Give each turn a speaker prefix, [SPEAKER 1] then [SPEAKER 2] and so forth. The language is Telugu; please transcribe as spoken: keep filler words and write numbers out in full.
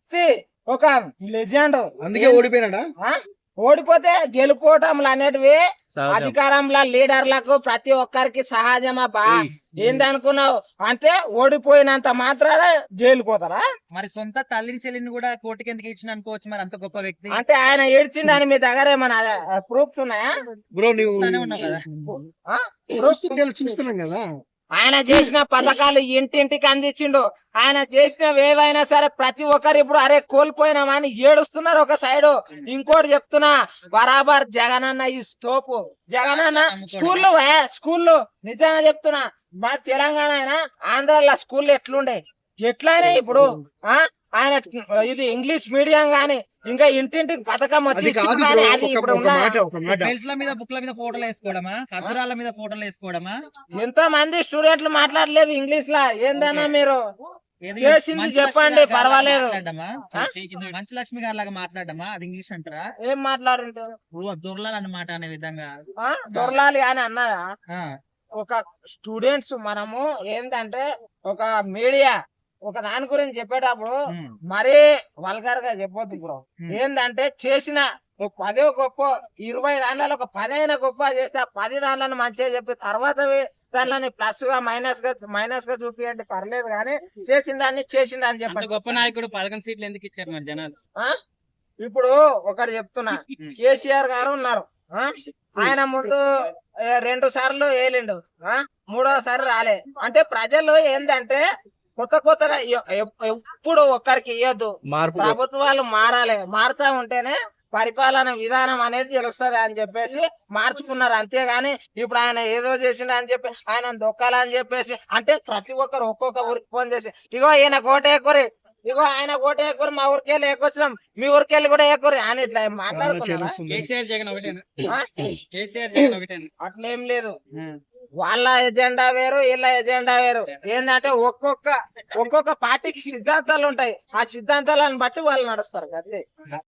[SPEAKER 1] వ్యక్తి, ఒక లెజెండ్.
[SPEAKER 2] అందుకే ఓడిపోయినాడా?
[SPEAKER 1] ఓడిపోతే గెలుపోవటంలు అనేటివి అధికారంలో లీడర్లకు ప్రతి ఒక్కరికి సహజమా బా. ఏందనుకున్నావు అంటే ఓడిపోయినంత మాత్రాన జైలుకు పోతారా?
[SPEAKER 3] మరి సొంత తల్లిని చెల్లిని కూడా కోర్టుకి ఎందుకు ఇచ్చిన అనుకోవచ్చు మరి అంత గొప్ప వ్యక్తి.
[SPEAKER 1] అంటే ఆయన ఏడ్చిండని మీ దగ్గర ఏమన్నా ప్రూఫ్స్ ఉన్నాయా?
[SPEAKER 2] బ్రో నువ్వు
[SPEAKER 3] ఉన్నావు కదా.
[SPEAKER 1] ప్రూఫ్స్
[SPEAKER 2] చూస్తున్నాం కదా.
[SPEAKER 1] ఆయన చేసిన పథకాలు ఇంటింటికి అందించిండు. ఆయన చేసినవి ఏవైనా సరే ప్రతి ఒక్కరు ఇప్పుడు అరే కోల్పోయినామని ఏడుస్తున్నారు ఒక సైడ్. ఇంకోటి చెప్తున్నా, బరాబర్ జగనన్న ఈ స్టోపు. జగనన్న స్కూల్లో స్కూల్లో నిజంగా చెప్తున్నా, మా తెలంగాణ అయినా ఆంధ్రాలో స్కూల్లో ఎట్లుండే ఎట్లయినా ఇప్పుడు ఆ ఆయన ఇది ఇంగ్లీష్ మీడియం గాని ఇంకా ఇంటింటికి పథకం వచ్చి అది ఇప్పుడు
[SPEAKER 3] బెల్ట్ల మీద బుక్ల మీద ఫోటోలు వేసుకోవడమా, ఖద్దరాల మీద ఫోటోలు వేసుకోవడమా?
[SPEAKER 1] ఎంతో మంది స్టూడెంట్లు మాట్లాడలేదు ఇంగ్లీష్ లా. ఏందన్నా మీరు చేసింది చెప్పండి, పర్వాలేదు.
[SPEAKER 3] మంచు లక్ష్మి గారి లాగా మాట్లాడమా? అది ఇంగ్లీష్ అంటారా?
[SPEAKER 1] ఏం మాట్లాడుంటారు?
[SPEAKER 3] దొరలాలి అన్నమాట అనే విధంగా
[SPEAKER 1] దొరలాలి అని అన్నదా? ఒక స్టూడెంట్స్ మనము ఏంటంటే ఒక మీడియా ఒక దాని గురించి చెప్పేటప్పుడు మరీ వల్గర్ గా చెప్పొద్దు బ్రో. ఏంటంటే చేసిన ఒక పదో గొప్ప ఇరవై దాంట్లో ఒక పదైనా గొప్ప చేస్తే ఆ పది దాంట్లను మంచిగా చెప్పి తర్వాత దాంట్లని ప్లస్ గా మైనస్ గా మైనస్ గా చూపియండి పర్లేదు, కానీ చేసిన దాన్ని చేసింది అని చెప్పండి.
[SPEAKER 4] గొప్ప నాయకుడు పదకొండు సీట్లు ఎందుకు ఇచ్చారు మరి జనాలు?
[SPEAKER 1] ఇప్పుడు ఒకటి చెప్తున్నా, కేసీఆర్ గారు ఉన్నారు. ఆయన ముందు రెండు సార్లు వేలిండు, మూడోసారి రాలే. అంటే ప్రజలు ఏంటంటే కొత్త కొత్తగా ఎప్పుడు ఒక్కరికి ఇవ్వద్దు, ప్రభుత్వాలు మారాలి. మారుతా ఉంటేనే పరిపాలన విధానం అనేది తెలుస్తుంది అని చెప్పేసి మార్చుకున్నారు. అంతేగాని ఇప్పుడు ఆయన ఏదో చేసిండు అని చెప్పి ఆయన దొక్కాలని చెప్పేసి అంటే ప్రతి ఒక్కరు ఒక్కొక్క ఊరికి ఫోన్ చేసి ఇగో ఈయన కోట ఎక్కురి, ఇగో ఆయన కోట ఎక్కురి, మా ఊరికెళ్ళి ఎక్కువచ్చినాం, మీ ఊరికెళ్ళి కూడా ఎక్కురి అని ఇట్లా మాట్లాడుతున్నారు.
[SPEAKER 4] కేసీఆర్ జగన్ ఒకటేనా? కేసీఆర్ జగన్ ఒకటేనా?
[SPEAKER 1] అట్లేం లేదు. వాళ్ళ ఎజెండా వేరు, వీళ్ళ ఎజెండా వేరు. ఏంటంటే ఒక్కొక్క ఒక్కొక్క పార్టీకి సిద్ధాంతాలు ఉంటాయి. ఆ సిద్ధాంతాలను బట్టి వాళ్ళు నడుస్తారు అంతే.